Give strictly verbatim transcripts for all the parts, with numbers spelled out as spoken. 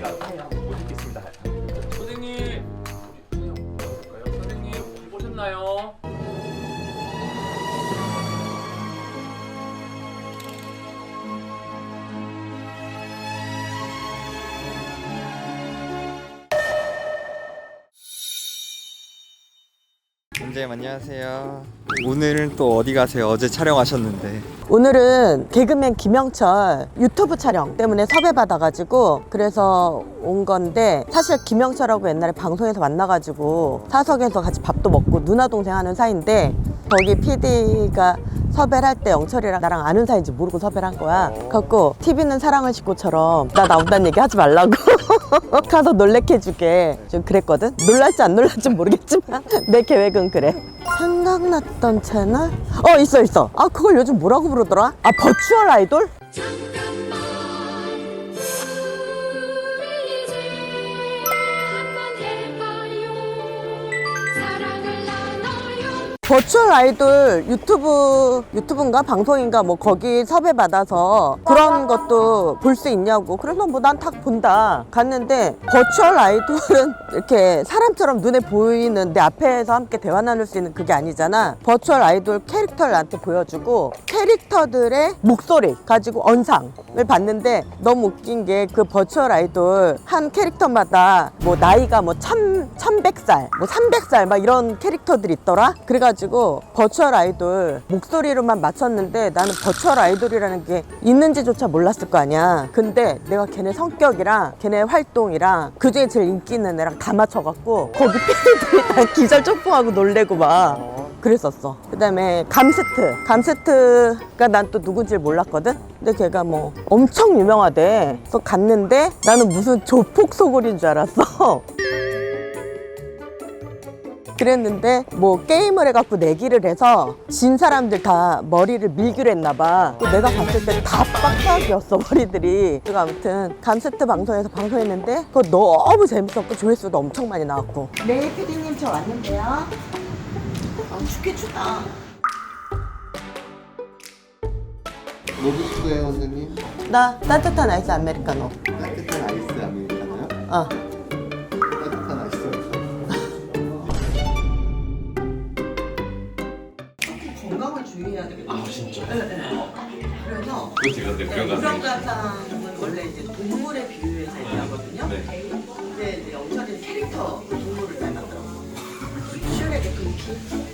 내가 못 읽겠습니다. 선생님, 선생님 볼까요? 선생님 보셨나요? 선생님 안녕하세요. 오늘은 또 어디 가세요? 어제 촬영하셨는데. 오늘은 개그맨 김영철 유튜브 촬영 때문에 섭외받아가지고 그래서 온 건데, 사실 김영철하고 옛날에 방송에서 만나가지고 사석에서 같이 밥도 먹고 누나 동생 하는 사이인데, 거기 피디가 섭외를 할 때 영철이랑 나랑 아는 사이인지 모르고 섭외를 한 거야. 그래갖고 티비는 사랑을 싣고처럼 나 나온다는 얘기 하지 말라고 가서 놀래켜주게 좀 그랬거든. 놀랄지 안 놀랄지 모르겠지만 내 계획은 그래. 생각났던 채널? 어 있어 있어. 아 그걸 요즘 뭐라고 부르더라? 아 버추얼 아이돌? 버추얼 아이돌 유튜브, 유튜브인가 방송인가 뭐 거기 섭외받아서 그런 것도 볼 수 있냐고. 그래서 뭐 난 딱 본다 갔는데, 버추얼 아이돌은 이렇게 사람처럼 눈에 보이는 내 앞에서 함께 대화 나눌 수 있는 그게 아니잖아. 버추얼 아이돌 캐릭터를 나한테 보여주고 캐릭터들의 목소리 가지고 언상을 봤는데, 너무 웃긴 게 그 버추얼 아이돌 한 캐릭터마다 뭐 나이가 뭐 천, 천백 살, 뭐 삼백 살 막 이런 캐릭터들이 있더라. 그래가지고 버추얼 아이돌 목소리로만 맞췄는데, 나는 버추얼 아이돌이라는 게 있는지조차 몰랐을 거 아니야. 근데 내가 걔네 성격이랑 걔네 활동이랑 그중에 제일 인기 있는 애랑 다 맞춰갖고 거기 피디들이 다 기절 쪽풍하고 놀래고 막 그랬었어. 그 다음에 감스트 감스트가 난 또 누군지 몰랐거든. 근데 걔가 뭐 엄청 유명하대. 그래서 갔는데 나는 무슨 조폭 소굴인 줄 알았어. 그랬는데 뭐 게임을 해갖고 내기를 해서 진 사람들 다 머리를 밀기로 했나봐. 또 내가 봤을 때 다 빡빡이었어 머리들이. 그리고 아무튼 감스트 방송에서 방송했는데 그거 너무 재밌었고 조회수도 엄청 많이 나왔고. 네 피디님 저 왔는데요. 아 춥게 춥다. 뭐 드실래요, 선생님? 나 따뜻한 아이스 아메리카노. 따뜻한 아이스 아메리카노요? 어. 따뜻한 아이스 건강을 주의해야 되겠다. 아 진짜? 네, 네. 그래서 그렇지, 근데 그런 거 같아요. 우렁가탕은 원래 이제 동물에 비유해서 얘기하거든요. 네. 근데 이제 영철이는 캐릭터 동물을 닮았더라고. 슈렉의 금키.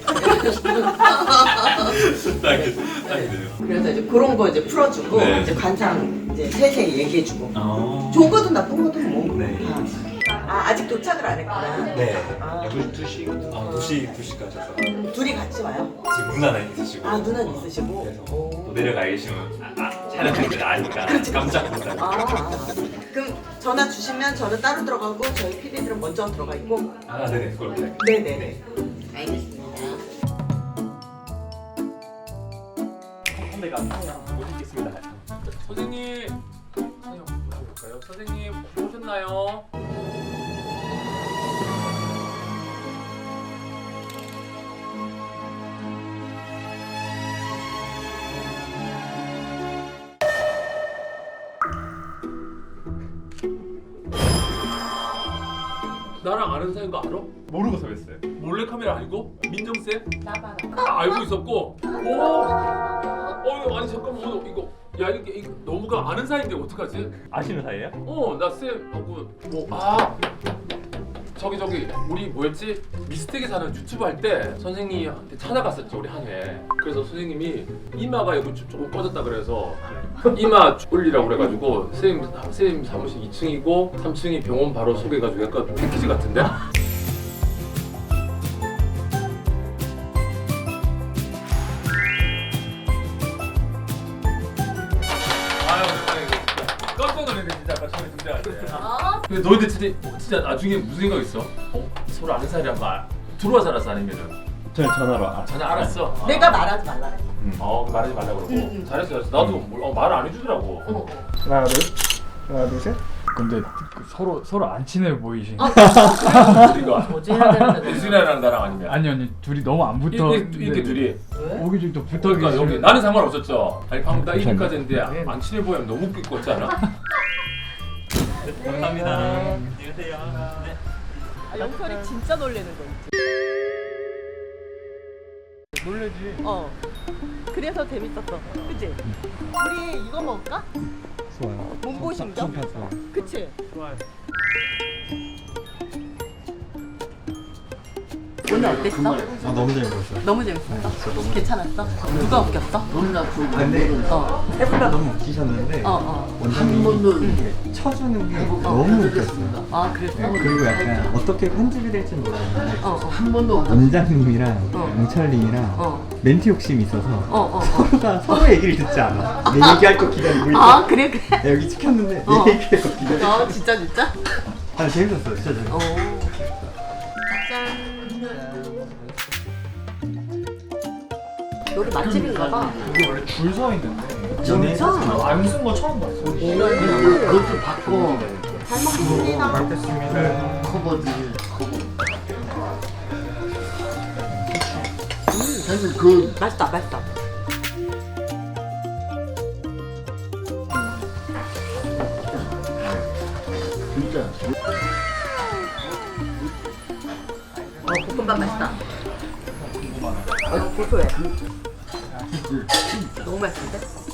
딱이 딱이네요. 그래서 이제 그런 거 이제 풀어주고 네. 이제 관상 이제 세세히 얘기해주고. 아. 좋은 것도 나쁜 것도 뭐. 네. 다. 아 아직 도착을 안 했구나. 네. 아. 두 시. 아, 두 시 두 시까지 와서. 음, 둘이 같이 와요? 지금 누나는 있으시고. 아 누나는 있으시고. 그래서 오. 또 내려가 계시면 아, 아, 촬영할 줄 아니까 깜짝 놀랐어요. 아, 아, 그럼 전화 주시면 저는 따로 들어가고 저희 피디들은 먼저 들어가 있고. 아, 네네, 그렇게. 네네네. 알겠습니다. 내가 못 읽겠습니다. 선생님, 선생님 보실까요? 선생님 보셨나요? 나랑 아는 사이인 거 알아? 모르고 섭외했어요. 몰래 카메라 알고? 민정 쌤? 나봐라. 다 알고 있었고. 오. 어, 아니 잠깐만, 어, 이거 야 이게 이거 너무가 아는 사이인데 어떡하지? 아시는 사이예요? 어, 나 쌤하고 뭐 아. 저기 저기 우리 뭐였지? 미스텍에 사는 유튜브 할 때 선생님한테 찾아갔었죠, 우리 한 회. 그래서 선생님이 이마가 이거 좀, 좀 꺼졌다 그래서 이마 올리라고 그래가지고 쌤, 쌤 사무실 이 층이고 삼 층이 병원 바로 소개해가지고 약간 패키지 같은데? 아유, 깜짝 놀랐네 진짜 아까 처음에 등장할 때. 근데 너희들 진짜, 진짜 나중에 무슨 생각 있어? 어? 서로 아는 사이란 말 들어와서 알았어 아니면은? 저는 전화로 아, 전혀 알았어. 아. 내가 말하지 말라 그래. 어, 그 말하지 말라고 그러고. 응, 응. 잘했어, 잘했어. 나도 뭘- 어, 말을 안 해주더라고. 어. 하나 둘 하나 둘 셋. 근데 그 서로 서로 안 친해 보이시. 우리가 뭐지 해야 되는데. 유진이랑 나랑 아니면. 아니 아니 둘이 너무 안 붙어. 이렇게, 이렇게 둘이. 왜? 오기 좀더 붙어 그러니까 계시. 여기 나는 상관없었죠. 아니 방금 나 그렇죠. 이름까지 했는데 안 친해 보이면 너무 웃길 것 같지 않아? 감사합니다. 안녕히 계세요. 네. 아, 영철이 진짜 놀래는 거 있지. 놀래지. 어. 그래서 재밌었어. 그치? 우리 이거 먹을까? 좋아요. 몸보신경? 좋아요. 그치? 좋아요. 오늘 어땠어? 아 너무 재밌었어요. 너무 재밌었어? 괜찮았어? 누가 웃겼어? 근데 어. 세 분 다 너무 웃기셨는데 어, 어. 원장님이 이렇게 쳐주는 게 너무 웃겼어요. 아, 그랬어? 그리고 약간 어떻게 편집이 될지 몰랐는데 어, 어. 원장님이랑 어. 영철님이랑 어. 멘트 욕심이 있어서 어, 어, 어. 서로가 서로 얘기를 듣지 않아. 내 얘기할 거 기다리고 있어. 아, 그래, 그래? 나 여기 찍혔는데 어. 내 얘기할 거 기다리고 있어. 어, 진짜, 진짜? 아 재밌었어요. 진짜 재밌었어요. 어. 짠. 여기 맛집인가 봐. 이게 원래 줄 서 있는데. 진짜? 안 쓴 거 처음 봤어. 그것도 바꿔 잘 먹겠습니다. 알겠습니다. 커버지 커버. 사실 그 맛있다, 맛있다. 진짜 어, 볶음밥 맛있다. 어, 고소해. 너무 맛있는데?